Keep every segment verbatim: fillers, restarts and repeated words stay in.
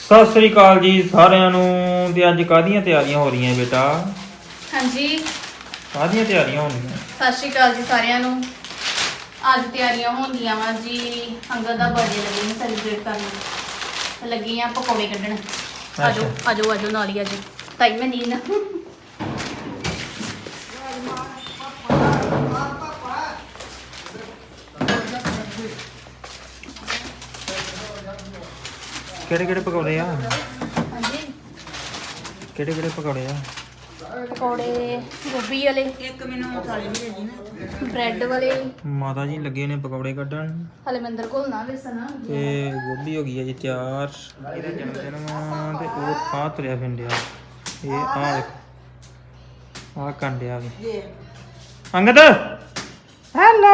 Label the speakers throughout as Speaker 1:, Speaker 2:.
Speaker 1: ਸਤਿ ਸ੍ਰੀ ਅਕਾਲ ਜੀ ਸਾਰਿਆਂ ਨੂੰ। ਤੇ ਅੱਜ ਕਾਹਦੀਆਂ ਤਿਆਰੀਆਂ ਹੋ ਰਹੀਆਂ ਬੇਟਾ?
Speaker 2: ਹਾਂਜੀ,
Speaker 1: ਕਾਹਦੀਆਂ ਤਿਆਰੀਆਂ ਹੋਣਗੀਆਂ?
Speaker 2: ਸਤਿ ਸ਼੍ਰੀ ਅਕਾਲ ਜੀ ਸਾਰਿਆਂ ਨੂੰ। ਅੱਜ ਤਿਆਰੀਆਂ ਹੁੰਦੀਆਂ ਵਾ ਜੀ, ਅੰਗਦ ਦਾ ਬਰਥਡੇ ਲੱਗੀ ਸੈਲੀਬ੍ਰੇਟ ਕਰਨ ਤੇ ਲੱਗੀ ਆ ਪਕੌੜੇ ਕੱਢਣ। ਆਜੋ ਆਜੋ ਆਜੋ ਨਾਲ ਹੀ ਆਜੋ। ਤਾਈ ਮੈਂ ਨੀਂਦ
Speaker 1: ਕਿਹੜੇ ਕਿਹੜੇ ਪਕੌੜੇ ਆ?
Speaker 2: ਹਾਂਜੀ,
Speaker 1: ਕਿਹੜੇ ਕਿਹੜੇ ਪਕੌੜੇ ਆ?
Speaker 2: ਪਕੌੜੇ ਗੋਭੀ ਵਾਲੇ,
Speaker 3: ਇੱਕ ਮੈਨੂੰ ਥਾਲੀ ਵੀ ਦੇ ਦੀ ਨਾ।
Speaker 2: ਬ੍ਰੈਡ ਵਾਲੇ।
Speaker 1: ਮਾਤਾ ਜੀ ਲੱਗੇ ਨੇ ਪਕੌੜੇ ਕੱਢਣ
Speaker 2: ਹਲੇ ਮੰਦਰ ਘੋਲਣਾ ਵੇਸਣ
Speaker 1: ਤੇ ਗੋਭੀ ਹੋ ਗਈ ਹੈ ਜੀ ਤਿਆਰ। ਇਹਦਾ ਜਨਮ ਦਿਨ ਵਾ ਤੇ ਉਹ ਆ ਤੁਰਿਆ ਫਿੰਡਿਆ। ਇਹ ਆ ਦੇਖ ਆ ਕੰਡਿਆ ਵੀ
Speaker 3: ਜੀ
Speaker 1: ਅੰਗਦ। ਹੈਲੋ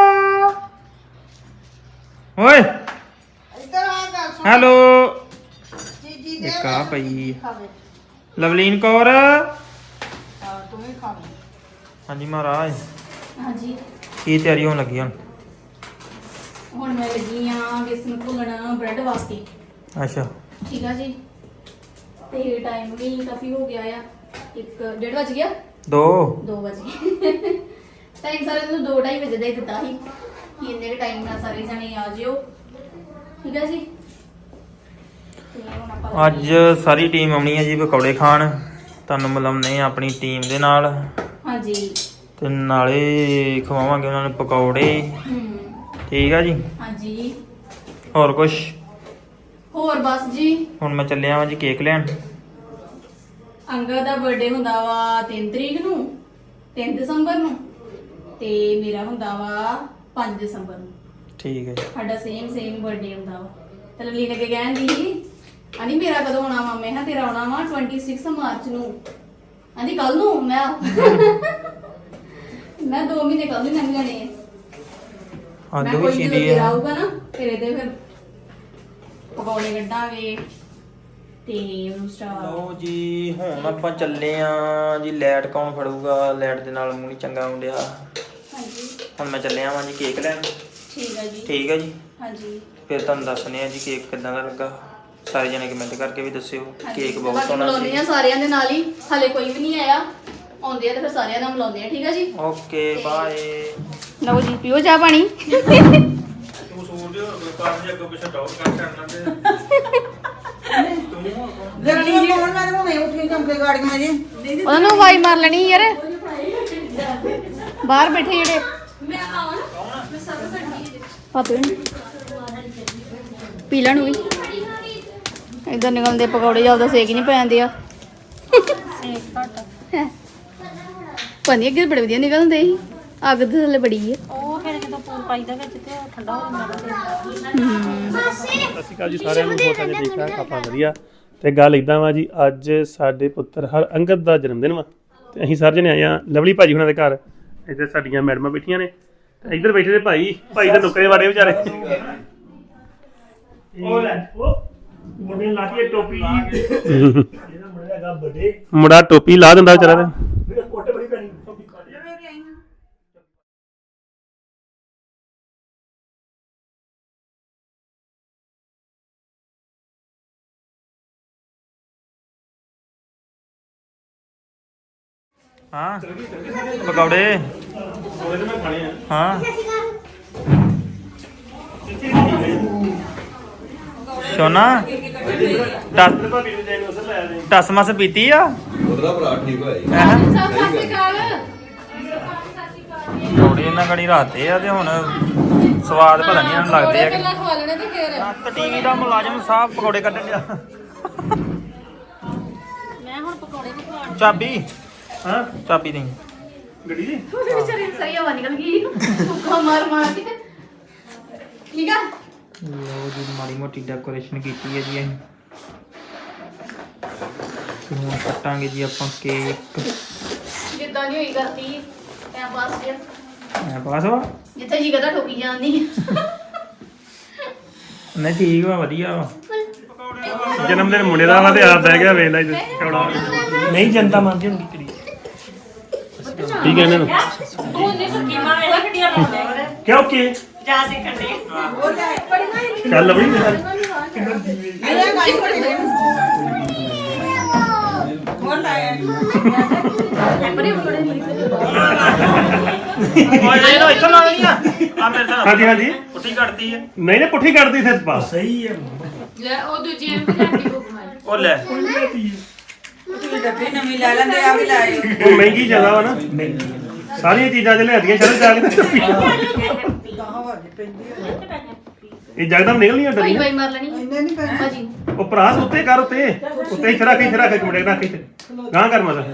Speaker 1: ਓਏ
Speaker 3: ਇੱਧਰ ਆ ਗੱਲ ਸੁਣ।
Speaker 1: ਹੈਲੋ।
Speaker 3: ਜੀ ਜੀ ਦੇ
Speaker 1: ਇੱਕ ਆ ਪਈ
Speaker 3: ਖਾਵੇ।
Speaker 1: ਲਵਲੀਨ ਕੌਰ।
Speaker 3: ਹਾਂ ਤੂੰ ਵੀ ਖਾਵੇ।
Speaker 1: ਹਾਂਜੀ ਮਹਾਰਾਜ,
Speaker 2: ਹਾਂਜੀ,
Speaker 1: ਕੀ ਤਿਆਰੀ ਹੋਣ ਲੱਗੀ ਹੁਣ?
Speaker 2: ਹੁਣ ਮੈਂ ਲੱਗੀ ਆ ਵੇਸਣ ਘੋਲਣ ਬ੍ਰੈਡ ਵਾਸਤੇ।
Speaker 1: ਅੱਛਾ
Speaker 2: ਠੀਕ ਆ ਜੀ। ਤੇ ਟਾਈਮ ਵੀ ਕਾਫੀ ਹੋ ਗਿਆ ਆ, ਇੱਕ ਡੇਢ ਵੱਜ ਗਿਆ,
Speaker 1: ਦੋ
Speaker 2: ਦੋ ਵਜ ਗਏ। ਟਾਈਮ ਸਾਰੇ ਨੂੰ ਦੋ ਢਾਈ ਵਜੇ ਦਾ ਹੀ ਦਿੱਤਾ ਸੀ ਕਿ ਇੰਨੇ ਟਾਈਮ ਨਾਲ ਸਾਰੇ ਜਣੇ ਆ ਜਿਓ। ਠੀਕ ਆ ਜੀ। ਤੇ ਹੁਣ ਆਪਾਂ
Speaker 1: ਅੱਜ ਸਾਰੀ ਟੀਮ ਆਉਣੀ ਹੈ ਜੀ ਪਕੌੜੇ ਖਾਣ। ਤੁਹਾਨੂੰ ਮਿਲਾਉਂਦੇ ਆ ਆਪਣੀ ਟੀਮ ਦੇ ਨਾਲ
Speaker 2: ਹਾਂਜੀ।
Speaker 1: ਤੇ ਨਾਲੇ ਖਵਾਵਾਂਗੇ ਉਹਨਾਂ ਨੂੰ ਪਕੌੜੇ।
Speaker 2: ਹੂੰ।
Speaker 1: ਠੀਕ ਆ ਜੀ।
Speaker 2: ਹਾਂਜੀ।
Speaker 1: ਹੋਰ ਕੁਛ?
Speaker 2: ਹੋਰ ਬਸ ਜੀ,
Speaker 1: ਹੁਣ ਮੈਂ ਚੱਲਿਆ ਵਾਂ ਜੀ ਕੇਕ ਲੈਣ।
Speaker 2: ਅੰਗਦ ਦਾ ਬਰਥਡੇ ਹੁੰਦਾ ਵਾ ਤਿੰਨ ਤਰੀਕ ਨੂੰ, ਤਿੰਨ ਦਸੰਬਰ ਨੂੰ, ਤੇ ਮੇਰਾ ਹੁੰਦਾ ਵਾ ਪੰਜ ਦਸੰਬਰ ਨੂੰ।
Speaker 1: ਠੀਕ ਹੈ ਜੀ।
Speaker 2: ਸਾਡਾ ਸੇਮ ਸੇਮ ਬਰਥਡੇ ਹੁੰਦਾ ਵਾ। ਤੇ ਲਵਲੀ ਨੇ ਕਹਿੰਦੀ ਆਂਦੀ ਮੇਰਾ ਕਦੋਂ ਆਉਣਾ ਵਾ? ਮੈਂ ਕਿਹਾ ਤੇਰਾ ਆਉਣਾ ਵਾ ਛੱਬੀ ਮਾਰਚ ਨੂੰ। ਆਂਦੀ ਕੱਲ ਨੂੰ? ਮੈਂ ਮੈਂ ਦੋ ਮਹੀਨੇ ਕੱਲ ਨੂੰ ਲੰਘ ਜਾਣੇ ਆ।
Speaker 1: ਅੱਜ
Speaker 2: ਮੈਂ
Speaker 1: ਵੀ
Speaker 2: ਕੋਈ
Speaker 1: ਸੀਦੀ
Speaker 2: ਜਦੋਂ ਤੇਰਾ
Speaker 1: ਆ।
Speaker 2: ਆਊਗਾ ਨਾ ਫਿਰ ਇਹਦੇ ਫਿਰ ਪਕੌੜੇ ਕੱਢਾਂਗੇ ਤੇ ਉਹਨੂੰ ਸਟਾਰ।
Speaker 1: ਲਓ ਜੀ ਹੁਣ ਆਪਾਂ ਚੱਲੇ ਆ ਜੀ। ਲਾਈਟ ਕੌਣ ਫੜੂਗਾ? ਲਾਈਟ ਦੇ ਨਾਲ ਮੂੰਹ ਨਹੀਂ ਚੰਗਾ ਹੁੰਦਿਆ।
Speaker 2: ਹਾਂਜੀ
Speaker 1: ਹੁਣ ਮੈਂ ਚੱਲਿਆ ਵਾਂ ਜੀ ਕੇਕ ਲੈਣ।
Speaker 2: ਠੀਕ ਹੈ ਜੀ।
Speaker 1: ਠੀਕ ਹੈ ਜੀ।
Speaker 2: ਹਾਂਜੀ
Speaker 1: ਫਿਰ ਤੁਹਾਨੂੰ ਦੱਸਣੇ ਆ ਜੀ ਕੇਕ ਕਿੱਦਾਂ ਦਾ ਲੱਗਾ। ਸਾਰੇ ਜਣੇ ਕਮੈਂਟ ਕਰਕੇ ਵੀ ਦੱਸਿਓ।
Speaker 2: ਹਾਂਜੀ।
Speaker 1: ਕੇਕ ਬਹੁਤ
Speaker 2: ਬਾਕੀ
Speaker 1: ਸੋਹਣਾ
Speaker 2: ਮਿਲਾਉਂਦੇ
Speaker 1: ਸੀ।
Speaker 2: ਆ ਸਾਰਿਆਂ ਦੇ ਨਾਲ ਹੀ, ਹਲੇ ਕੋਈ ਵੀ ਨਹੀਂ ਆਇਆ। ਆਉਂਦੇ ਆ ਤੇ ਫਿਰ ਸਾਰਿਆਂ ਨਾਲ ਮਿਲਾਉਂਦੇ ਆ। ਠੀਕ ਆ ਜੀ।
Speaker 1: Okay bye.
Speaker 2: ਲਓ ਜੀ ਪੀਓ ਚਾਹ ਪਾਣੀ।
Speaker 1: ਤੂੰ ਸੂਰ ਦੇ ਹੋਰ ਪਾਸ ਜੇ ਅੱਗੋਂ ਪਿੱਛੇ ਡੌਟ ਕਰ ਕਰਨਾ ਤੇ
Speaker 3: ਜਲਦੀ ਫੋਨ ਮੈਂ ਹੁਣੇ ਉੱਠੀ ਚਮਕੇ ਗਾੜੀਆਂ ਜੀ।
Speaker 2: ਉਹਨਾਂ ਨੂੰ ਵਾਈ ਮਾਰ ਲੈਣੀ ਯਾਰ, ਬਾਹਰ ਬੈਠੇ ਜਿਹੜੇ। ਮੈਂ ਆਵਾਂ ਨਾ, ਮੈਂ ਸਭ ਕਰਨੀ ਹੈ ਪਾਪੇ ਨੂੰ ਪੀ ਲੈਣ ਵੀ। ਇਧਰ ਨਿਕਲਦੇ ਪਕੌੜੇ ਜਿਆਦਾ ਸੇਕ ਹੀ ਨਹੀਂ ਪੈਂਦੇ ਆ। ਸੇਕ ਘੱਟ ਪਾਣੀ ਅੱਗੇ ਬੜੇ ਵਧੀਆ ਨਿਕਲਦੇ ਸੀ। ਅੱਗ ਦੇ ਥੱਲੇ ਬੜੀ ਹੈ
Speaker 3: ਉਹ ਫਿਰ ਜਦੋਂ ਪੂਰ ਪਾਈਦਾ ਵਿੱਚ ਤੇ ਠੰਡਾ ਹੋ ਜਾਂਦਾ।
Speaker 4: ਸਤਿ ਸ਼੍ਰੀ ਅਕਾਲ ਜੀ ਸਾਰਿਆਂ ਨੂੰ। ਬਹੁਤ ਸਾਰੇ ਠੀਕ ਠਾਕ ਆਪਾਂ ਵਧੀਆ। ਤੇ ਗੱਲ ਇਦਾਂ ਵਾ ਜੀ, ਅੱਜ ਸਾਡੇ ਪੁੱਤਰ ਹਰ ਅੰਗਦ ਦਾ ਜਨਮ ਦਿਨ ਵਾ ਤੇ ਅਸੀਂ ਸਾਰੇ ਜਣੇ ਆਏ ਆ ਲਵਲੀ ਭਾਜੀ ਹੁਣਾਂ ਦੇ ਘਰ। ਇੱਧਰ ਸਾਡੀਆਂ ਮੈਡਮਾਂ ਬੈਠੀਆਂ ਨੇ ਤੇ ਇੱਧਰ ਬੈਠੇ ਨੇ ਭਾਈ ਭਾਈ ਦੇ ਨੁੱਕਰੇ ਵਾੜੇ ਵਿਚਾਰੇ। ਉਹ ਲੈ ਉਹ ਮੁੰਡੇ ਲਾ ਕੇ ਟੋਪੀ ਜੀ। ਇਹਦਾ ਮੁੰਡਾ ਹੈਗਾ ਵੱਡੇ, ਮੁੰਡਾ ਟੋਪੀ ਲਾ ਦਿੰਦਾ ਵਿਚਾਰਾ ਤੇ ਮੇਰੇ ਕੋਟੇ ਬੜੀ ਪੈਣੀ।
Speaker 1: ਹਾਂ ਪਕੌੜੇ ਹਾਂ। ਸੋਨਾ ਟਸ ਟਸ ਮਸ ਪੀਤੀ ਆ।
Speaker 5: ਉਹਦਾ ਭਰਾ ਠੀਕ ਹੋਇਆ ਜੀ।
Speaker 1: ਪਕੌੜੇ ਇਹਨਾਂ ਘੜੀ ਰਾਤੇ ਆ ਤੇ ਹੁਣ ਸਵਾਦ ਪਤਾ ਨਹੀਂ ਇਹਨਾਂ ਨੂੰ ਲੱਗਦੇ ਆ ਕਿ ਟੀਵੀ ਦਾ ਮੁਲਾਜ਼ਮ ਸਾਹਿਬ ਪਕੌੜੇ ਕੱਢਣ ਡਿਆ।
Speaker 2: ਮੈਂ ਹੁਣ ਪਕੌੜੇ ਵੀ ਖਾਣ।
Speaker 1: ਚਾਬੀ
Speaker 4: ਹਾਂ
Speaker 1: ਚਾਬੀ ਨਹੀਂ
Speaker 4: ਗੱਡੀ ਦੀ
Speaker 2: ਉਹਦੇ ਵਿਚਾਰੇ ਨੂੰ ਸਹੀ ਹਵਾ ਨਿਕਲ ਗਈ। ਭੁੱਖਾ ਮਾਰ ਮਾਰ ਕੇ। ਠੀਕ ਆ।
Speaker 1: ਲੋ ਜੀ ਮਾੜੀ ਮੋਟੀ ਡੈਕੋਰੇਸ਼ਨ ਕੀਤੀ ਹੈ ਜੀ ਅਸੀਂ। ਤੇ ਹੁਣ ਕੱਟਾਂਗੇ ਜੀ ਆਪਾਂ ਕੇਕ।
Speaker 2: ਜਿੱਦਾਂ ਦੀ ਹੋਈ ਕਰਤੀ ਐ ਬਸ ਜੀ।
Speaker 1: ਐ ਪਾਸ ਵਾ
Speaker 2: ਜਿੱਥੇ ਜੀ ਕਦਾ ਠੋਕੀ ਜਾਂਦੀ।
Speaker 1: ਨਹੀਂ ਠੀਕ ਵਾ ਵਧੀਆ ਵਾ।
Speaker 4: ਜਨਮ ਦਿਨ ਮੁੰਡੇ ਦਾ ਵਾ ਤੇ ਆਪ ਬਹਿ ਗਿਆ ਵੇਖ ਲੈ ਚੌੜਾ। ਨਹੀਂ ਜਨਤਾ ਮੰਨਦੀ ਹੁੰਦੀ ਕੁੜੀ। ਠੀਕ ਹੈ ਇਹਨਾਂ ਨੂੰ
Speaker 3: ਉਹਨੇ ਸਕੀਮਾਂ ਵੇਲਾ ਕਿੱਡੀਆਂ ਲਾਉਂਦੇ।
Speaker 4: ਕਿਉਂ ਕੀ
Speaker 3: ਜਾ ਸਿੱਖਣ ਦੇ।
Speaker 4: ਚੱਲ ਬਈ
Speaker 3: ਨਹੀਂ
Speaker 1: ਓਏ ਇਹ ਲੋ ਇੱਥੋਂ ਲਾ ਦੇਣੀ ਆ ਆ ਮੇਰੇ ਨਾਲ
Speaker 4: ਹਾਂਜੀ ਹਾਂਜੀ
Speaker 1: ਪੁੱਠੀ ਕੱਟਦੀ ਹੈ
Speaker 4: ਨਹੀਂ ਨਹੀਂ ਪੁੱਠੀ ਕੱਢਦੀ ਫਿਰ ਬਸ
Speaker 6: ਸਹੀ ਹੈ
Speaker 2: ਲੈ ਉਹ ਦੂਜੀ ਐਮ ਤੇ ਜਾਂਦੀ ਬੁੱਕ ਮਾਰੀ
Speaker 1: ਉਹ ਲੈ
Speaker 3: ਡੱਬੀ ਨਵੀਂ ਲੈ ਲੈਂਦੇ ਆ ਵੀ ਲਾਏ
Speaker 4: ਉਹ ਮਹਿੰਗੀ ਜ਼ਿਆਦਾ ਵਾ ਨਾ ਸਾਰੀਆਂ ਚੀਜ਼ਾਂ ਤੇ ਲਿਆਦੀਆਂ ਚਲੋ ਜਾ ਕੇ ਇਹ ਜਗਦਮ ਨਿਕਲਣੀਆਂ
Speaker 2: ਭਾਈ
Speaker 4: ਡਰੀਆਂ
Speaker 2: ਭਾਈ ਮਾਰ ਲੈਣੀ
Speaker 3: ਇੰਨੇ ਨਹੀਂ ਪੈਣੇ
Speaker 2: ਭਾਜੀ
Speaker 4: ਉਹ ਭਰਾਸ ਉੱਤੇ ਕਰ ਉੱਤੇ ਉੱਤੇ ਇੱਥੇ ਰੱਖ ਇੱਥੇ ਰੱਖ ਇੱਕ ਮਿੰਟ ਰੱਖ ਇੱਥੇ ਗਾਂ ਕਰ ਮਜ਼ਾ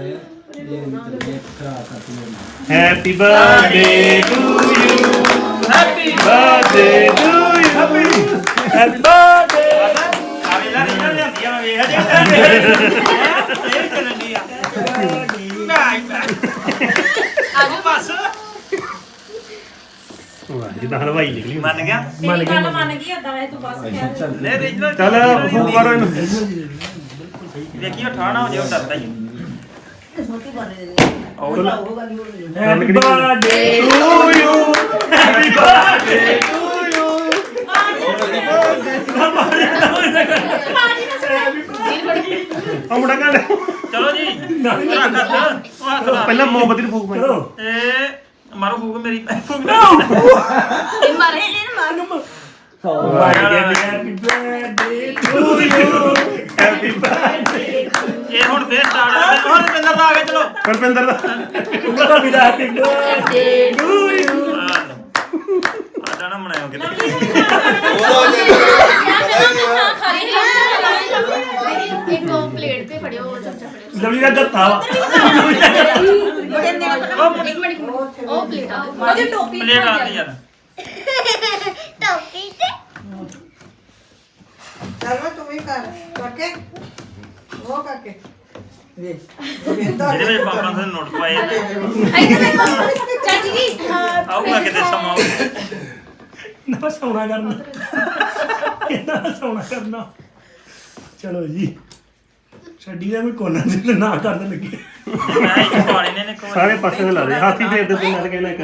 Speaker 4: happy birthday to you
Speaker 1: happy
Speaker 4: birthday to you happy birthday
Speaker 1: ਆਵੇ ਲੈ ਇਹਨਾਂ ਨੇ ਹੱਥੀਆਂ ਮੈਂ ਵੇਖ ਜੇ ਇਹ ਚੱਲਣੀ ਆ ਨਹੀਂ ਆਜੋ ਬਸ
Speaker 4: ਵਾਹ ਜਿੱਦਾਂ ਹਲਵਾਈ ਨਿਕਲੀ
Speaker 1: ਮੰਨ ਗਿਆ
Speaker 6: ਮੰਨ ਗਿਆ
Speaker 3: ਮੰਨ ਗਈ ਏਦਾਂ ਇਹ ਤੂੰ ਬਸ ਕਹਿ
Speaker 1: ਲੈ ਰੀਜਨਲ
Speaker 4: ਚੱਲ ਫੋਨ ਕਰੋ ਇਹਨੂੰ
Speaker 1: ਵੇਖੀ ਉਹ ਠਾਣਾ ਹੋ ਜੇ ਉਹ ਡਰਦਾ ਹੀ
Speaker 3: ਛੋਟੀ ਬਣ ਦੇ
Speaker 1: ਉਹ
Speaker 6: happy birthday
Speaker 4: to you happy birthday to you ਆ ਮੁੰਡਾ ਕਹਿੰਦਾ
Speaker 1: ਚਲੋ ਜੀ ਰੱਖ ਹੱਥ ਉਹ ਹੱਥ ਲਾ
Speaker 4: ਪਹਿਲਾਂ ਮੋਮਬੱਤੀ ਨੂੰ ਫੂਕ ਮਾਰ
Speaker 6: ਚਲੋ
Speaker 1: ਇਹ ਮਾਰੋ ਫੂਕ ਮੇਰੀ ਫੂਕ
Speaker 2: ਇਹ ਮਾਰ ਇਹਨੇ ਮਾਰ
Speaker 6: happy birthday to you
Speaker 4: happy birthday
Speaker 1: ਇਹ ਹੁਣ ਫੇਰ ਸਟਾਰਟ ਹੁਣ ਰਵਿੰਦਰ ਦਾ ਆ ਕੇ ਚਲੋ
Speaker 4: ਪਰਪਿੰਦਰ ਦਾ
Speaker 6: ਉਹਦਾ ਵੀ ਹੈਪੀ ਬਰਥਡੇ ਟੂ ਯੂ
Speaker 1: ਆਡਾ ਨਾ ਮਨਾਇਓ ਕਿਤੇ
Speaker 5: ਉਹਦਾ ਤੇ ਪਤਾ ਹੀ ਨਹੀਂ ਆ
Speaker 2: ਖਾਲੀ ਨਹੀਂ ਇੱਕ ਉਹ ਪਲੇਟ ਤੇ ਫੜਿਓ ਉਹ ਚਮਚਾ ਫੜਿਓ
Speaker 6: ਲਵਲੀ ਦਾ ਗੱਤਾ ਵਾ
Speaker 3: ਬੜੇ ਨੇ
Speaker 2: ਇੱਕ ਮਿੰਟ ਇੱਕ ਮਿੰਟ ਉਹ ਪਲੇਟ ਆ
Speaker 3: ਉਹਦੀ ਟੋਪੀ
Speaker 1: ਪਲੇਟ ਆਉਂਦੀ ਯਾਰ
Speaker 3: ਚਲੋ ਤੂੰ ਵੀ ਕਰ ਕਰਕੇ ਉਹ ਕਰਕੇ ਵੇ
Speaker 1: ਇਹਦੇ ਵਿੱਚ ਪਾਪਾ ਨੇ ਨੋਟ ਪਾਏ ਨੇ
Speaker 2: ਇੱਧਰ ਦੇਖੋ ਚਾਚੀ ਜੀ
Speaker 1: ਆਊਗਾ ਕਿਤੇ ਸਮਾਂ
Speaker 6: ਨਾ ਸੌਣਾ ਕਰਨਾ ਨਾ ਸੌਣਾ ਕਰਨਾ ਚਲੋ ਜੀ ਛੱਡੀ ਦਾ ਵੀ ਕੋਨਾ ਤੇ ਨਾ ਕਰਨ ਲੱਗੇ
Speaker 1: ਮੈਂ ਇੱਕ ਪਾਣੀ ਨੇ ਨੇ ਕੋਈ
Speaker 4: ਸਾਰੇ ਪਾਸੇ ਤੇ ਲਾ ਦੇ ਹਾਥੀ ਫੇਰ ਦੇ ਤੂੰ ਨਾਲ ਕਹਿਣਾ ਇੱਕ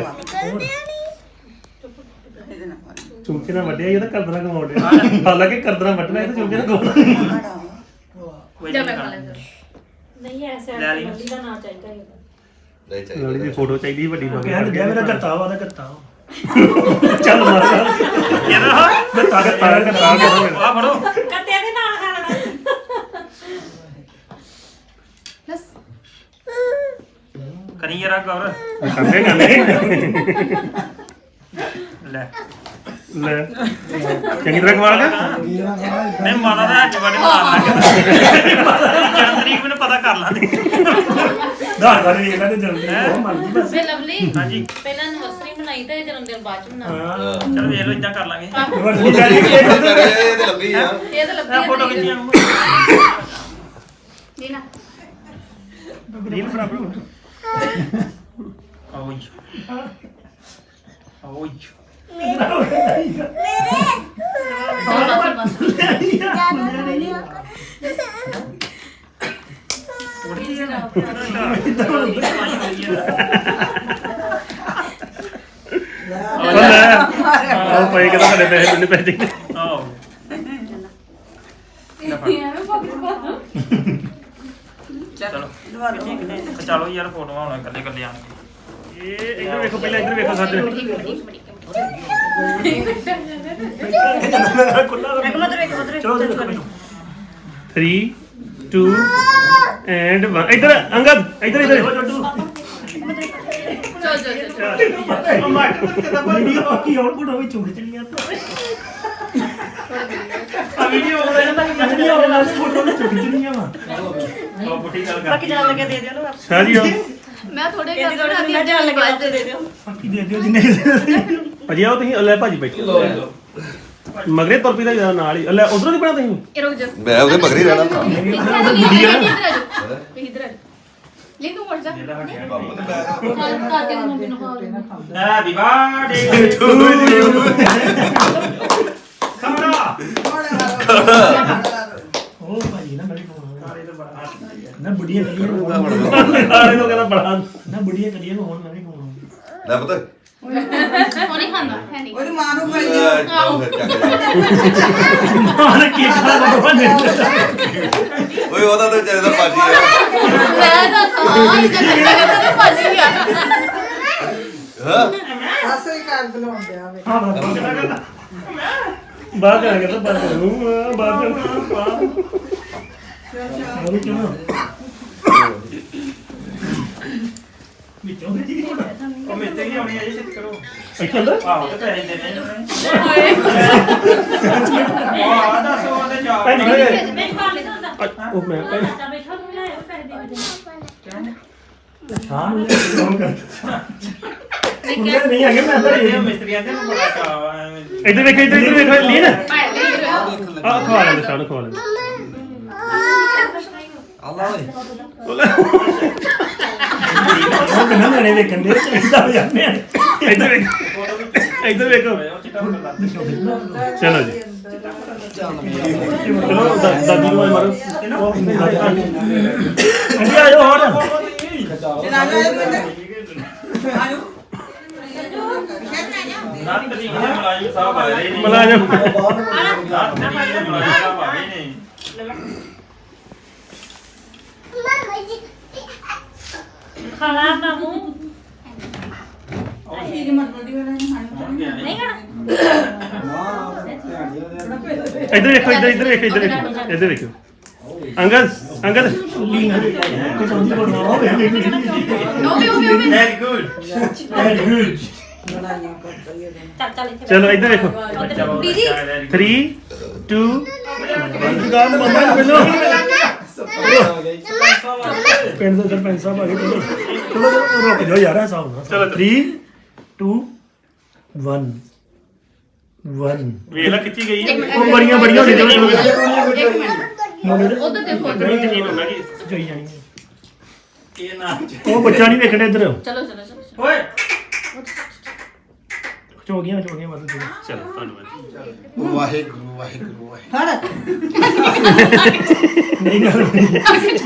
Speaker 4: ਚੁੰਕੇ ਨਾਲ ਵੱਡਿਆ ਇਹ ਤਾਂ ਕਰਦਣਾ ਕਮਾਉਂਦੇ ਹਾਲਾਂਕਿ ਕਰਦਣਾ ਵੱਟਣਾ ਇਹ ਤਾਂ ਚੁੰਕੇ ਨਾਲ ਕਮਾਉਂਦਾ
Speaker 1: ਕੋਈ
Speaker 2: ਜਾ
Speaker 1: ਨਹੀਂ
Speaker 2: ਮੈਂ ਖਾ
Speaker 1: ਕਰਨਾ।
Speaker 2: ਲੈਂਦਾ
Speaker 7: ਨਹੀਂ ਐਸਾ
Speaker 1: ਲੈ ਲਈ।
Speaker 7: ਲਵਲੀ ਦਾ ਨਾਂ ਚਾਹੀਦਾ ਹੈ
Speaker 5: ਨਹੀਂ
Speaker 4: ਲੋੜੀ ਦੀ
Speaker 5: ਚਾਹੀਦਾ
Speaker 4: ਫੋਟੋ ਚਾਹੀਦੀ ਵੱਡੀ ਹੋ
Speaker 6: ਕਹਿਣ ਗਿਆ ਮੇਰਾ ਗੱਤਾ ਵਾ ਦਾ ਗੱਤਾ ਵਾ
Speaker 4: ਚੱਲ ਮਾਰ
Speaker 1: ਇਹਦਾ
Speaker 4: ਗੱਤਾ ਗੱਤਾ ਗੱਤਾ
Speaker 1: ਆ ਫੜੋ
Speaker 7: ਕੱਤਿਆਂ ਦੇ ਨਾਲ ਖਾ ਲੈਣਾ
Speaker 2: ਬਸ
Speaker 1: ਕਰੀ ਜਰਾ ਗੌਰ
Speaker 4: ਕੰਦੇ ਕੰਦੇ
Speaker 1: ਲੈ
Speaker 4: ਲੈ ਚੰਗੀ ਤਰ੍ਹਾਂ ਕਮਾਲ ਕਰ
Speaker 1: ਨਹੀਂ ਮਾਨਾ ਦਾ ਅੱਜ ਬੜੇ ਮਾਰ ਲੱਗਾ ਜਨਮ ਤਰੀਕ ਮੈਨੂੰ ਪਤਾ ਕਰ ਲਾਂਦੇ
Speaker 6: ਧਾਰ ਕਰ ਵੀ ਇਹਨਾਂ ਦੇ ਜਲਦੀ ਉਹ ਮੰਨ ਗਈ ਬਸ
Speaker 7: ਵੇ ਲਵਲੀ
Speaker 1: ਹਾਂਜੀ
Speaker 7: ਪਹਿਲਾਂ ਐਨਵਰਸਰੀ ਮਨਾਈ ਤਾਂ ਜਨਮ ਦਿਨ ਬਾਅਦ ਚ ਮਨਾ
Speaker 6: ਹਾਂ
Speaker 1: ਚਲ ਵੇਖ ਲਓ ਇਦਾਂ ਕਰ ਲਾਂਗੇ
Speaker 6: ਵਰਦੀ ਜਾਰੀ
Speaker 5: ਇਹ ਤੇ ਲੱਭੀ ਆ
Speaker 7: ਇਹ ਤਾਂ
Speaker 1: ਇਹ
Speaker 7: ਲੱਭੀ
Speaker 1: ਫੋਟੋ ਖਿੱਚੀਆਂ
Speaker 2: ਜੀ ਨਾ
Speaker 4: ਰੀਲ ਬਰਾਬਰ
Speaker 1: ਓਏ ਓਏ
Speaker 2: ਬਸ ਬਸ
Speaker 4: ਲੈ ਉਹ ਪਈ ਕਿਦਾਂ ਸਾਡੇ ਪੈਸੇ ਦੁੱਲੇ ਪੈ ਜਾਂਦੇ
Speaker 1: ਆਓ ਚਲੋ ਚਲੋ ਯਾਰ ਫੋਟੋਆਂ ਹੁਣ ਇਕੱਲੇ ਇਕੱਲੇ ਆਣਗੇ
Speaker 4: ਇਹ ਇੱਧਰ ਵੇਖੋ ਪਹਿਲਾਂ ਇੱਧਰ ਵੇਖੋ ਸਾਡੇ
Speaker 6: ਚਲੋ ਦੇਖੋ ਮੈਨੂੰ
Speaker 4: three two and one ਇੱਧਰ ਅੰਗਦ ਇੱਧਰ ਇੱਧਰ
Speaker 2: ਚਲ ਚਲ ਚਲ
Speaker 6: ਵੀਡੀਓ ਪੱਕੀ ਆਉਟਪੁੱਟ ਹੋਈ ਚੁੰਗ ਚੰਗੀਆਂ
Speaker 1: ਆ ਵੀਡੀਓ ਹੋ ਰਿਹਾ ਤਾਂ
Speaker 6: ਵੀਡੀਓ ਵਾਲਾ ਫੋਟੋ ਵਿੱਚ ਚੁੰਗ ਚੰਗੀਆਂ ਵਾ
Speaker 1: ਉਹ ਪੁੱਠੀ ਗੱਲ ਕਰ
Speaker 7: ਬਾਕੀ ਜਾਣ ਲੱਗੇ ਦੇ ਦਿਓ ਨਾ
Speaker 4: ਸ਼ਾਹ ਜੀ ਆਓ
Speaker 2: ਮੈਂ ਥੋੜੇ ਕਰ ਦੇਣਾ ਮੈਂ ਜਾਣ ਲੱਗਾ ਦੇ ਦਿਓ
Speaker 6: ਬਾਕੀ ਦੇ ਦਿਓ ਜਿੰਨੇ
Speaker 4: ਅਜੇ ਆਓ ਤੁਸੀਂ ਲੈ ਭਾਜੀ ਬੈਠੋ ਮਗਰੇ ਤੁਰ ਪੀਦਾ ਜਿਆਦਾ ਨਾਲ ਹੀ ਲੈ ਉਧਰੋਂ ਨਹੀਂ ਬਣਾ ਤੁਸੀਂ
Speaker 2: ਇਹ ਰੁਕ ਜਾ
Speaker 5: ਮੈਂ ਉਹਦੇ ਮਗਰੀ ਰਹਿਣਾ ਭਰਾ
Speaker 2: ਇੱਧਰ ਆ ਜਾ ਇੱਧਰ ਆ ਲੈ ਤੂੰ ਵੜ ਜਾ ਕਾਕੇ ਨੂੰ ਮੰਮੀ ਨੂੰ ਹਾਲ
Speaker 1: ਹੈਪੀ ਬਰਥਡੇ
Speaker 4: ਟੂ ਯੂ
Speaker 1: ਖੜਾ
Speaker 6: ਉਹ ਭਾਈ ਨਾ ਮੇਰੇ ਕੋਲ ਨਾ ਬੁੜੀਆਂ ਕਰੀਏ
Speaker 4: ਆਲੇ ਤੋਂ ਕਹਿੰਦਾ ਬੜਾ
Speaker 6: ਨਾ ਬੁੜੀਆਂ ਕਰੀਏ ਹੋਣ ਮੈਂ ਵੀ ਕੋਲ
Speaker 5: ਲੈ ਪਤਾ
Speaker 2: ਉਹ ਨਹੀਂ ਖਾਂਦਾ ਹੈ ਨਹੀਂ
Speaker 3: ਉਹਦੀ ਮਾਂ ਨੂੰ ਖਾਈ
Speaker 5: ਲੈ,
Speaker 3: ਜਾ
Speaker 5: ਚੱਲ ਫਿਰ ਚੱਕ ਜਾ।
Speaker 6: ਮਾਨ ਕੀ ਖਾ ਬਾਬਾ ਨੇ
Speaker 5: ਓਏ ਉਹਦਾ ਤਾਂ ਵਿਚਾਰੇ ਦਾ ਪਾਜੀ ਆ
Speaker 2: ਮੈਂ ਤਾਂ ਹਾਂ ਇਹ ਤਾਂ ਤਾਂ ਭਾਜੀ ਆ
Speaker 5: ਹਾਂ
Speaker 3: ਅਸਲ ਘਰ ਬੁਲਾਉਣ ਦਿਆ ਵੇ
Speaker 6: ਹਾਂ ਬਾਬਾ ਬਾਹਰ ਕਰਾਂਗੇ ਤਾਂ ਬਾਹਰ ਕਰਾਂਗੇ ਬਾਹਰ ਕਰਾਂਗੇ ਹੋਰ ਕਿਉਂ ਵਿੱਚੋਂ ਦੇ ਜੀ
Speaker 1: ਉਹ ਮੇਤੇ ਹੀ ਆਉਣੀ ਹੈ ਜੀ ਛੇਤੀ ਕਰੋ
Speaker 6: ਇੱਥੇ ਅੰਦਰ
Speaker 1: ਆਹੋ ਤੇ ਪੈਸੇ ਦੇਣੇ ਨੇ ਆਹ ਦੱਸੋ ਉਹਦੇ ਚਾਰ
Speaker 6: ਭੈਣ ਜੀ ਕਿਹੜੇ?
Speaker 7: ਮੈਂ ਖਾ ਲਿਆ ਹੁੰਦਾ
Speaker 6: ਉਹ ਮੈਂ ਭੈਣ
Speaker 7: ਤਾਂ ਬੈਠਾ ਨੂੰ ਲਾਇਆ ਪੈਸੇ ਦੇ ਦੇ
Speaker 6: ਸ਼ਾਮ ਨੂੰ ਫੋਨ ਕਰ ਮੁੰਡੇ ਨਹੀਂ ਆਗੇ ਮੈਂ ਅੰਦਰ
Speaker 1: ਇਹ
Speaker 6: ਹੀ
Speaker 1: ਮਿਸਤਰੀਆਂ ਦੇ ਨੂੰ ਬੜਾ ਚਾਅ ਆ ਐਵੇਂ
Speaker 6: ਇੱਧਰ ਵੇਖ ਇੱਧਰ ਇੱਧਰ ਵੇਖ ਲੀਨ ਆ
Speaker 2: ਭਾਈ
Speaker 6: ਖਵਾ ਲੈਂਦੇ ਸ਼ਾਨ ਖਵਾ ਲੈਂਦੇ
Speaker 5: ਅੱਲਾ ਓਏ
Speaker 6: ਉਹ ਕਿੰਨਾ ਮੈਨੇ ਵੇਖਣ ਦੇ ਚਾਹੀਦਾ ਹੋ ਜਾਂਦੇ ਆ ਇੱਧਰ ਵੇਖ ਇੱਧਰ ਵੇਖੋ
Speaker 1: ਉਹ ਚਿੱਟਾ ਹੁੰਦਾ
Speaker 6: ਚਲੋ ਜੀ ਚਲੋ ਦਾ- ਦਾਦੀ ਨੂੰ ਮਾਰੋ ਅੰਜੀ ਆਜੋ ਹੋਰ
Speaker 3: ਚਲਾ ਜਾ ਬੰਦੇ ਆਜੋ
Speaker 1: ਨਾ ਤਰੀ ਦੇ ਮੁਲਾਜ਼ਮ ਸਾਹਿਬ ਆ ਰਹੇ ਨੇ
Speaker 6: ਮੁਲਾਜ਼ਮ
Speaker 1: ਨਾ ਤਰੀ ਦੇ ਮੁਲਾਜ਼ਮ ਸਾਹਿਬ ਆ ਰਹੇ ਨੇ
Speaker 7: ਖਾਣਾ ਮਾਮੂ
Speaker 3: ਠੀਕ ਮਤ ਬੋਲੀ ਵਾਲਾ ਨਹੀਂ ਖਾਣੀ
Speaker 7: ਨਹੀਂ ਖਾਣਾ
Speaker 6: ਇੱਧਰ ਵੇਖੋ ਇੱਧਰ ਇੱਧਰ ਵੇਖੋ ਇੱਧਰ ਵੇਖੋ ਇੱਧਰ ਵੇਖੋ ਅੰਗਦ ਅੰਗਦ ਲੀਨ ਕੁਝ ਅੰਦੀ ਬਣਾ ਹੋਵੇ
Speaker 2: ਉਹ ਵੀ ਉਹ ਵੀ ਉਹ ਵੀ
Speaker 1: ਵੈਰੀ ਗੁੱਡ
Speaker 6: ਵੈਰੀ ਗੁੱਡ
Speaker 3: ਬਣਾਈਆਂ ਕਰਦਾ ਇਹ
Speaker 7: ਚੱਲ ਚੱਲ ਇੱਥੇ
Speaker 6: ਚਲੋ ਇੱਧਰ ਵੇਖੋ
Speaker 2: ਦੀਦੀ
Speaker 6: three two one ਗਾਮ ਮੰਮਾ ਨੂੰ ਮਿਲੋ ਪਿੰਡ ਦੇ ਸਰਪੰਚ ਸਾਹਿਬ ਆ ਗਏ ਚਲੋ ਚਲੋ ਚਲੋ, ਰੁਕ ਜਾਓ ਯਾਰ ਐਸਾ ਹੋਣਾ ਚਲੋ three two one one
Speaker 1: ਵੇਲਾ ਖਿੱਚੀ ਗਈ ਹੈ
Speaker 6: ਉਹ ਬੜੀਆਂ ਬੜੀਆਂ ਹੋ ਗਈਆਂ ਚਲੋ
Speaker 2: ਇੱਕ ਮਿੰਟ
Speaker 6: ਮੁੰਡੇ ਦੇ
Speaker 2: ਉਧਰ ਦੇਖੋ
Speaker 6: ਉਧਰ ਹੀ ਜ਼ਮੀਨ ਹੁੰਦਾ ਕਿ ਜੋਈ ਜਾਣੀ ਹੈ।
Speaker 1: ਇਹ ਨਾ
Speaker 6: ਉਹ ਬੱਚਾ ਨਹੀਂ ਵੇਖਣਾ ਇੱਧਰ
Speaker 2: ਚਲੋ ਚਲੋ ਚਲੋ
Speaker 1: ਓਏ
Speaker 6: ਚੋਗੀਆਂ ਚੋਗੀਆਂ ਮਦਦ ਕਰੋ ਚਲੋ ਧੰਨਵਾਦ
Speaker 5: ਵਾਹਿਗੁਰੂ ਵਾਹਿਗੁਰੂ ਵਾਹਿਗੁਰੂ
Speaker 3: ਫੜ
Speaker 6: ਨਹੀਂ ਗੱਲ ਨਹੀਂ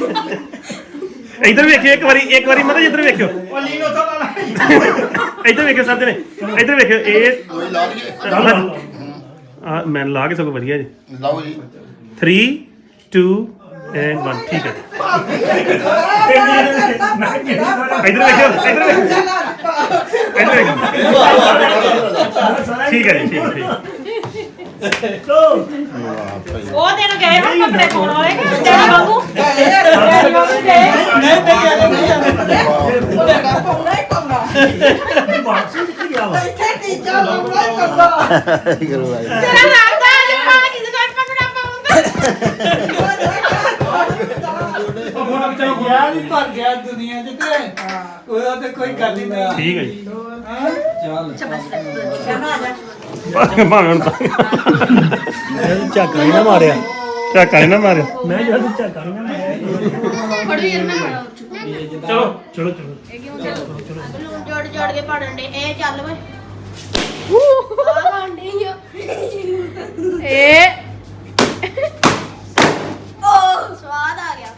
Speaker 6: ਇੱਧਰ ਵੇਖਿਓ ਇੱਕ ਵਾਰੀ ਇੱਕ ਵਾਰੀ ਮਤਲਬ ਇੱਧਰ ਵੇਖਿਓ
Speaker 1: ਉਹ ਲੀਨ ਉਥੋਂ ਲਾ ਲੈ
Speaker 6: ਇੱਧਰ ਵੇਖਿਓ ਸਭ ਨੇ ਇੱਧਰ ਵੇਖਿਓ ਇਹ
Speaker 5: ਕੋਈ ਲਾ ਲਈਏ
Speaker 6: ਆ ਮੈਂ ਲਾ ਕੇ ਸਗੋਂ ਵਧੀਆ ਜੀ
Speaker 5: ਲਾਓ ਜੀ
Speaker 6: three two and one ਠੀਕ ਹੈ ਇੱਧਰ ਵੇਖਿਓ ਇੱਧਰ ਵੇਖਿਓ ਇੱਧਰ ਵੇਖਿਓ ਠੀਕ ਹੈ ਜੀ ਠੀਕ ਠੀਕ ਲੋ
Speaker 7: ਉਹ ਦਿਨ ਗਏ ਹੁਣ ਕੱਪੜੇ ਪਾਉਣ ਵਾਲੇ ਕਿ ਤੇਰੇ ਵਾਂਗੂ ਤੇਰੇ ਵਾਂਗੂ ਗਏ
Speaker 3: ਨਹੀਂ ਤੇ ਜਾਣੇ ਨਹੀਂ ਜਾਣੇ ਉਹਦਾ ਪਾਉਣਾ ਹੀ ਪਾਉਣਾ
Speaker 6: ਬਾਕਸ ਕਿੱਥੇ ਗਿਆ ਵਾ
Speaker 3: ਇੱਥੇ ਟੀਚਾ ਲਾਉਣਾ ਹੀ ਕਰਦਾ
Speaker 5: ਵਾਹਿਗੁਰੂ ਵਾਹਿਗੁਰੂ
Speaker 7: ਤੇਰਾ ਲੱਗਦਾ ਜੇ ਮਾਂ ਕਿਸੇ ਦਾ ਪਕੜਾ ਪਾਉਂਦਾ
Speaker 3: ਯਾਰ ਵੀ ਭਰ ਗਿਆ ਦੁਨੀਆ ਚ ਤੇ ਉਹਦਾ ਤੇ ਕੋਈ ਗੱਲ ਹੀ ਨਹੀਂ
Speaker 6: ਠੀਕ ਹੈ ਜੀ
Speaker 3: ਚੱਲ ਆ ਜਾ
Speaker 6: ਭਾਵੇਂ ਹੁਣ ਤਾਂ ਝਾਕਾ ਹੀ ਨਾ ਮਾਰਿਆ ਝਾਕਾ ਹੀ ਨਾ ਮਾਰਿਆ ਮੈਂ ਜਦ ਝਾਕਾ ਹੀ ਨਾ ਮਾਰਿਆ
Speaker 2: ਫੜੋ ਯਾਰ ਮੈਂ
Speaker 1: ਚਲੋ
Speaker 6: ਚਲੋ ਚਲੋ
Speaker 2: ਇਹ ਕਿਉਂ ਚੱਲ ਜੋੜ ਜੋੜ ਕੇ ਪਾੜਨ ਦੇ ਇਹ ਚੱਲ ਵੇ ਆ ਗਾਂਡੀ ਆ ਇਹ ਓ ਸਵਾਦ ਆ ਗਿਆ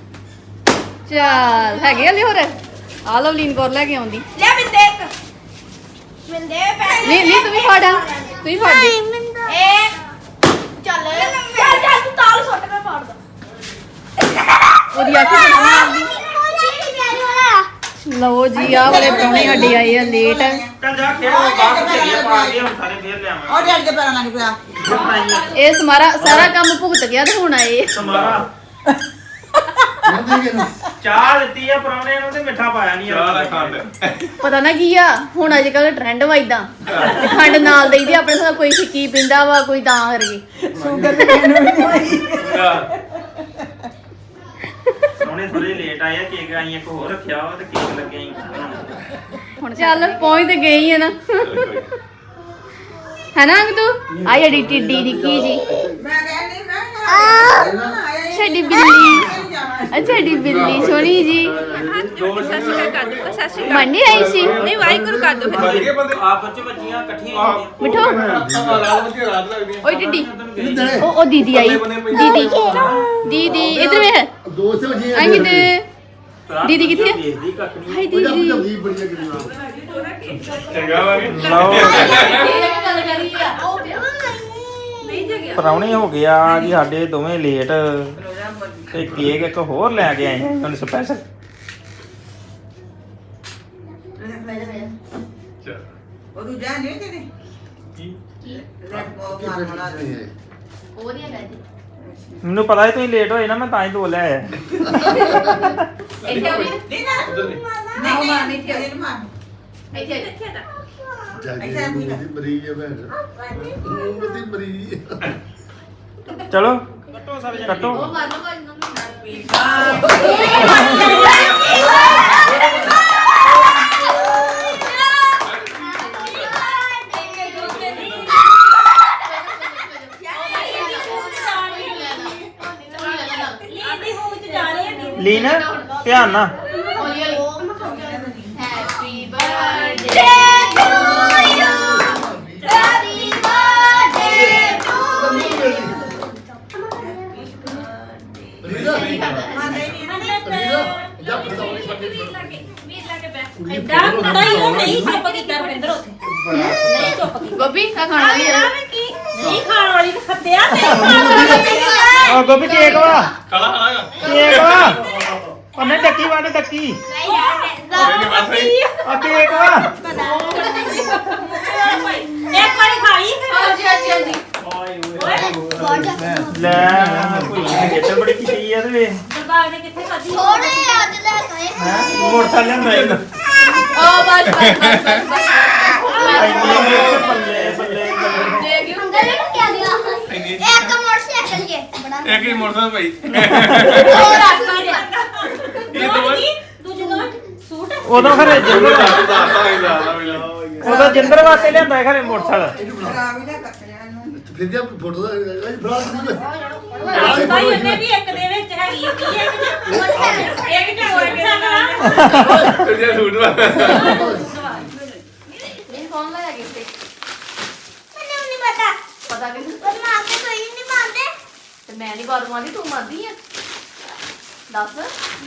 Speaker 2: ਚੱਲ ਹੈਗੇ ਹਲੇ ਹੋਰ ਆ ਲਓ ਲੀਨ ਕੋਰ ਲੈ ਕੇ ਆਉਂਦੀ ਲੈ ਮਿੰਦੇ ਇੱਕ ਮਿੰਦੇ ਪੈ ਨਹੀਂ ਨਹੀਂ ਤੂੰ ਵੀ ਫੜ ਤੂੰ ਵੀ ਫੜ ਦੇ ਇਹ ਚੱਲ ਚੱਲ ਚੱਲ ਤੂੰ ਤਾਲ ਸੁੱਟ ਮੈਂ ਫੜਦਾ ਉਹਦੀ ਅੱਖ ਬਣਾ ਮਾਰਦੀ ਲਓ ਜੀ ਆ ਵਾਲੇ ਪ੍ਰਾਹੁਣੇ ਸਾਡੇ ਆਏ ਆ ਲੇਟ
Speaker 1: ਚੱਲ ਜਾ ਖੇਡ ਬਾਹਰ ਚੱਲੀਏ ਪਾ ਕੇ ਹੁਣ ਸਾਰੇ ਫੇਰ ਲਿਆਵਾਂ
Speaker 3: ਉਹ ਡੈਡ ਦੇ ਪੈਰਾਂ ਲੱਗ ਪਿਆ
Speaker 2: ਇਹ ਸਮਾਰਾ ਸਾਰਾ ਕੰਮ ਭੁਗਤ ਗਿਆ ਤੇ ਹੁਣ ਆਏ
Speaker 1: ਸਮਾਰਾ ਚਾਹ ਦਿੱਤੀ ਆ ਪਰੌਣੇ ਨੂੰ ਤੇ ਮਿੱਠਾ ਪਾਇਆ ਨਹੀਂ ਚਾਹ ਦਾ ਖੰਡ
Speaker 2: ਪਤਾ ਨਾ ਕੀ ਆ ਹੁਣ ਅੱਜ ਕੱਲ ਟ੍ਰੈਂਡ ਵਾ ਇਦਾਂ ਤੇ ਖੰਡ ਨਾਲ ਦੇਈਦੀ ਆਪਣੇ ਸਾਹ ਕੋਈ ਫਿੱਕੀ ਪਿੰਦਾ ਵਾ ਕੋਈ ਤਾਂ ਕਰਕੇ
Speaker 3: ਸ਼ੂਗਰ ਤੇ ਮੈਨੂੰ ਵੀ ਨਹੀਂ ਹੋਈ
Speaker 1: ਪਰੌਣੇ ਥੋੜੇ ਲੇਟ ਆਏ ਆ ਕੇਕ ਆਈ ਇੱਕ ਹੋਰ ਰੱਖਿਆ ਵਾ ਤੇ ਕੇਕ ਲੱਗੇ ਆਈ
Speaker 2: ਹੁਣ ਚੱਲ ਪਹੁੰਚ ਤੇ ਗਈ ਆ ਨਾ ਹੈ ਨਾ ਅੰਗ ਤੂੰ ਆ ਜਿਹੜੀ ਟਿੱਡੀ ਨਿੱਕੀ ਜੀ
Speaker 3: ਮੈਂ ਕਹਿੰਦੀ ਮੈਂ
Speaker 2: ਸਾਡੀ ਬਿੱਲੀ ਅੱਛਾ ਸਾਡੀ ਬਿੱਲੀ ਸੋਹਣੀ ਜੀ ਮੰਨੀ ਆਈ ਸੀ ਨਹੀਂ ਵਾਹਿਗੁਰੂ ਕਰ ਦੋ ਫਿਰ
Speaker 1: ਆਪ ਬੱਚੇ ਬੱਚੀਆਂ ਇਕੱਠੀਆਂ ਹੋਈਆਂ
Speaker 2: ਮਿੱਠੋ ਓਏ ਟਿੱਡੀ ਉਹ ਉਹ ਦੀਦੀ ਆਈ ਦੀਦੀ ਦੀਦੀ ਇਧਰ ਵੇ
Speaker 5: ਦੋਸਤ ਵਜੀ
Speaker 2: ਆਈ ਕਿਤੇ ਦੀਦੀ ਕਿੱਥੇ ਆ?
Speaker 1: ਦੇਖਦੀ ਕੱਖ ਨਹੀਂ
Speaker 2: ਹਾਏ ਦੀਦੀ
Speaker 5: ਜਲਦੀ ਬੜੀਆਂ ਗੱਲਾਂ
Speaker 4: ਚੰਗਾ ਵਾ ਵੀ
Speaker 1: ਲਓ
Speaker 2: ਗੱਲ ਕਰੀ ਆ ਉਹ ਨਹੀਂ ਜਗਿਆ
Speaker 1: ਪਰਾਉਣੇ ਹੋ ਗਿਆ ਜੀ ਸਾਡੇ ਦੋਵੇਂ ਲੇਟ ਤੇ ਕੇਕ ਇੱਕ ਹੋਰ ਲੈ ਕੇ ਆਏ ਹੁਣ ਸਪੈਸ਼ਲ
Speaker 3: ਉਹ ਦੂਜਾ ਨਹੀਂ ਤੇਰੇ ਲੈ ਉਹ ਮਾਰ ਮਾਰ
Speaker 2: ਉਹ ਨਹੀਂ ਹੈਗਾ ਜੀ
Speaker 1: ਮੈਨੂੰ ਪਤਾ ਹੈ ਤੁਸੀਂ ਲੇਟ ਹੋਏ ਨਾ ਮੈਂ ਤਾਂ ਹੀ ਦੋ ਲੈ ਆਇਆ
Speaker 2: ਇੱਥੇ ਆ ਵੀ
Speaker 3: ਨਹੀਂ ਨਾ ਨਹੀਂ ਮਾਰ ਨਹੀਂ ਤੇ ਇਹਨੂੰ ਮਾਰ
Speaker 2: ਇੱਥੇ ਇੱਥੇ ਦਾ
Speaker 5: ਜਾਗੇ ਮੂੰਹ ਦੀ ਮਰੀ ਹੈ ਭੈਣ ਮੂੰਹ ਦੀ ਮਰੀ
Speaker 1: ਚਲੋ ਕੱਟੋ ਸਾਰੇ ਕੱਟੋ
Speaker 2: ਉਹ ਮਾਰ ਲਓ ਕੋਈ ਨਾ
Speaker 1: ਲੀਨ ਧਿਆਨ ਨਾਲ
Speaker 2: ਹੌਲੀ ਹੌਲੀ happy birthday to you happy birthday to
Speaker 5: ਜਾ ਪਤਾਉਣੀ ਫੱਟੇ
Speaker 7: ਐਡਾ ਕੜਾਈ ਉਹ ਨਹੀਂ ਚੁੱਪ ਕੀਤਾ ਰਵਿੰਦਰ ਉੱਥੇ ਨਹੀਂ ਚੁੱਪ ਕੀਤਾ
Speaker 2: ਗੋਪੀ ਕਾ ਖਾਣਾ ਵੀ ਹੈ
Speaker 7: ਨਹੀਂ ਖਾਣ ਵਾਲੀ ਤਾਂ ਖੱਤਿਆ ਨਹੀਂ ਖਾਣ ਵਾਲੀ
Speaker 1: ਆ ਗੋਪੀ ਕੇਕ ਵਾ ਖਾਲਾ ਖਾਲਾ ਕੇਕ ਵਾ ਉਹਨੇ ਡੱਕੀ ਵਾਂਡ ਡੱਕੀ ਆ ਕੇਕ ਵਾ
Speaker 7: ਇੱਕ ਵਾਰੀ ਖਾ ਲਈ
Speaker 2: ਹਾਂਜੀ ਹਾਂਜੀ ਹਾਂਜੀ
Speaker 1: ਲੈ ਕੋਈ ਗੇਟ ਬੜੀ ਕੀਤੀ ਆ ਤੇ
Speaker 7: ਦਰਬਾਰ ਨੇ ਕਿੱਥੇ ਖਾਧੀ
Speaker 2: ਥੋੜੇ ਅੱਜ ਲੈ ਗਏ
Speaker 1: ਹੈ ਮੋਟਰਸਾਈਕਲ ਲਿਆਂਦਾ ਇੱਕ
Speaker 2: ਓ ਬਸ ਬਸ ਬਸ ਬਸ
Speaker 1: ਇੰਨੀ ਮਿਰਚ ਬੱਲੇ ਬੱਲੇ ਬੱਲੇ
Speaker 2: ਦੇ ਗਿਓ ਅੰਦਰ ਇਹ ਕੀ ਦਿਆ ਇੱਕ ਮੋਟਰਸਾਈਕਲ ਜੇ ਬੜਾ
Speaker 4: ਇੱਕ ਹੀ ਮੋਟਰਸਾਈਕਲ ਭਾਈ
Speaker 2: ਉਹ ਰੱਖ ਦੇ
Speaker 4: ਇਹ ਦੋ
Speaker 7: ਦੂਜੇ ਦੋ ਸੂਟ
Speaker 1: ਉਦੋਂ ਖਰੇ ਜਿੰਦਰ
Speaker 4: ਦਾਤਾ ਹੀ ਲਾ ਲਾ ਵੀ ਲਾ
Speaker 1: ਉਦੋਂ ਜਿੰਦਰ ਵਾਸਤੇ ਲਿਆਂਦਾ ਖਰੇ ਮੋਟਰਸਾਈਕਲ
Speaker 3: ਇਹਨੂੰ ਖਰਾਬ ਹੀ ਨਾ ਕੱਟਿਆ ਇਹਨੂੰ
Speaker 5: ਫਿਰ ਜੇ ਫੋਟੋ ਦਾ ਬਰਾ
Speaker 7: ਤਾਂ ਹੀ ਉਹਨੇ ਵੀ ਇੱਕ ਦੇ ਵਿੱਚ ਹੈਗੀ ਕੀ ਹੈ ਕਿ ਇੱਕ ਚ ਹੋਏ ਕਿ
Speaker 4: ਫਿਰ ਜੇ ਸੂਟ ਵਾ
Speaker 2: ਇਹ ਕੌਣ ਲਾਇਆ ਗਿਫਟ ਮੈਨੂੰ ਨਹੀਂ ਪਤਾ ਪਤਾ ਕਿ ਪਰ ਮੈਂ ਆਪੇ ਕੋਈ ਨਹੀਂ ਮੰਨਦੇ ਤੇ ਮੈਂ ਨਹੀਂ ਬਾਤ ਮੰਨਦੀ ਤੂੰ ਮੰਨਦੀ ਆ ਦੱਸ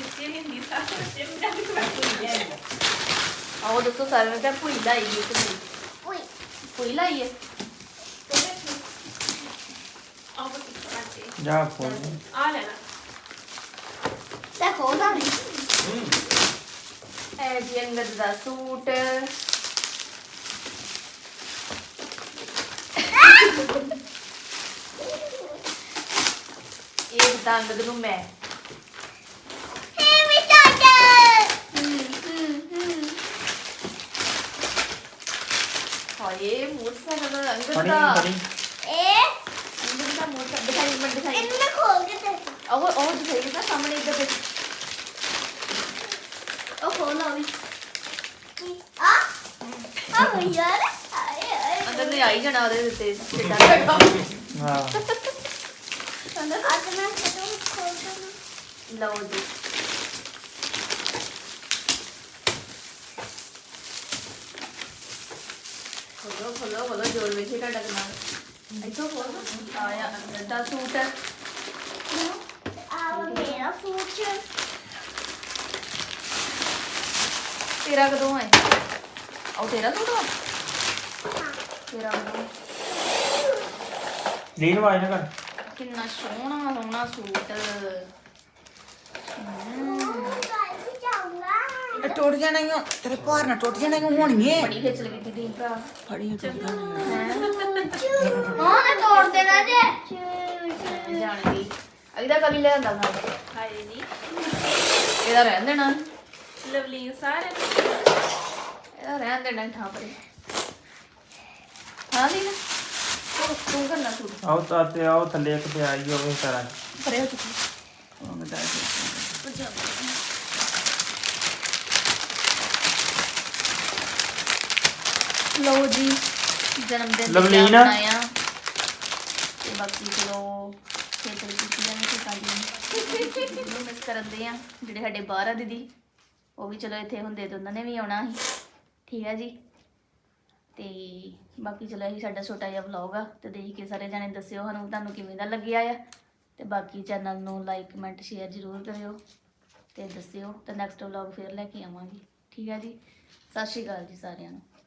Speaker 2: ਆਓ ਦੱਸੋ ਸਾਰੇ ਮੈਂ ਤਾਂ ਭੁਈ ਲਾਈ ਹੈ ਤੇ ਭੁਈ ਭੁਈ ਲਾਈ ਹੈ
Speaker 1: ਜਾ ਫੋਨ
Speaker 7: ਆ ਲੈਣਾ
Speaker 2: ਤਾਂ ਕੋਦਾ ਨਹੀਂ ਇਹ ਜੀ ਅੰਗਦ ਦਾ ਸੂਟ ਇਹ ਤਾਂ ਅੰਗਦ ਨੂੰ ਮੈਂ ਹਾਏ ਮੋਟਰਸਾਈਕਲ ਦਾ ਅੰਗਦ
Speaker 1: ਫੜੀ
Speaker 2: ਦਾ
Speaker 1: ਫੜੀ
Speaker 2: ਇਹ ਅੰਗਦ ਦਾ ਮੋਟਰਸਾਈਕਲ ਦਿਖਾਈ ਮੈਂ ਦਿਖਾਈ ਇਹਨੂੰ ਖੋਲ ਕੇ ਦੇ ਉਹ ਉਹ ਦਿਖਾਈ ਨਾ ਸਾਹਮਣੇ ਇੱਧਰ ਦੇ ਉਹ ਖੋਲ ਆ ਵੀ ਆ ਆ ਯਾਰ ਆਏ ਆਏ ਅੰਦਰ ਨੇ ਆਈ ਜਾਣਾ ਉਹਦੇ ਉੱਤੇ ਸਿੱਧਾ ਬੈਠਾ
Speaker 1: ਹਾਂ
Speaker 2: ਅੰਦਰ ਅੱਜ ਮੈਂ ਕਦੋਂ ਖੋਲ ਦਵਾਂ ਲਓ ਜੀ ਖੋਲੋ ਖੋਲੋ ਖੋਲੋ ਜੋਰ ਵਿੱਚ ਹੀ ਤੁਹਾਡਾ ਦਿਮਾਗ ਇੱਥੋਂ ਖੋਲ ਆਇਆ ਅੰਦਰ ਦਾ ਸੂਟ ਆ ਮੇਰਾ ਸੂਟ ਤੇਰਾ ਕਦੋਂ ਹੈ ਉਹ ਤੇਰਾ ਸੂਟ ਵਾ ਤੇਰਾ ਕਦੋਂ
Speaker 1: ਲੀਨ ਵਾਜ ਨਾ ਕਰ
Speaker 2: ਕਿੰਨਾ ਸੋਹਣਾ ਸੋਹਣਾ ਸੂਟ
Speaker 3: ਇਹ ਟੁੱਟ ਜਾਣਾ ਹੀ ਤੇਰੇ ਭਾਰ ਨਾਲ ਟੁੱਟ ਜਾਣਾ ਹੀ ਹੋਣੀ ਏ
Speaker 2: ਬੜੀ ਖਿੱਚ ਲੱਗੀ ਦੀਦੀ ਭਰਾ
Speaker 3: ਫੜੀ ਟੁੱਟ ਜਾਣਾ
Speaker 2: ਹਾਂ ਨਾ ਤੋੜ ਦੇਣਾ ਜੇ ਜਾਣਦੀ ਅਗਦਾ ਕਲੀ ਲੈ ਆਂਦਾ ਨਾਲ
Speaker 7: ਹਾਏ ਨਹੀਂ
Speaker 2: ਇਹਦਾ ਰਹਿਣ ਦੇਣਾ
Speaker 7: ਲਵਲੀ ਸਾਰੇ
Speaker 2: ਇਹਦਾ ਰਹਿਣ ਦੇਣਾ ਠਾਂ ਪਰੇ ਹਾਂ ਦੀ ਨਾ ਤੂੰ ਤੂੰ ਕਰਨਾ ਸੂਟ
Speaker 1: ਆਓ ਤਾਂ ਤੇ ਆਓ ਥੱਲੇ ਇੱਕ ਤੇ ਆਈ ਹੋਵੇ ਸਾਰਾ
Speaker 2: ਪਰੇ ਹੋ ਚੁੱਕੀ ਲਓ ਜੀ ਜਨਮ ਦਿਨ
Speaker 1: ਲਵਲੀ ਨਾ।
Speaker 2: ਮਨਾਇਆ ਤੇ ਬਾਕੀ ਚਲੋ ਖੇਤਰ ਕੀਤੀ ਜਾਂਦੇ ਤੇ ਕਾਲੀ ਨੂੰ ਮਿਸ ਕਰਦੇ ਆ ਜਿਹੜੇ ਸਾਡੇ ਬਾਹਰ ਆ ਦੀਦੀ ਉਹ ਵੀ ਚਲੋ ਇੱਥੇ ਹੁੰਦੇ ਤੇ ਉਹਨਾਂ ਨੇ ਵੀ ਆਉਣਾ ਸੀ ਠੀਕ ਹੈ ਜੀ ਤੇ ਬਾਕੀ ਚਲੋ ਇਹੀ ਸਾਡਾ ਛੋਟਾ ਜਿਹਾ ਵਲੌਗ ਆ ਤੇ ਦੇਖ ਕੇ ਸਾਰੇ ਜਾਣੇ ਦੱਸਿਓ ਸਾਨੂੰ ਤੁਹਾਨੂੰ ਕਿਵੇਂ ਦਾ ਲੱਗਿਆ ਆ ਤੇ ਬਾਕੀ ਚੈਨਲ ਨੂੰ ਲਾਈਕ ਕਮੈਂਟ ਸ਼ੇਅਰ ਜ਼ਰੂਰ ਕਰਿਓ ਤੇ ਦੱਸਿਓ ਤੇ ਨੈਕਸਟ ਵਲੌਗ ਫੇਰ ਲੈ ਕੇ ਆਵਾਂਗੀ। ਠੀਕ ਹੈ ਜੀ, ਸਤਿ ਸ਼੍ਰੀ ਅਕਾਲ ਜੀ ਸਾਰਿਆਂ ਨੂੰ।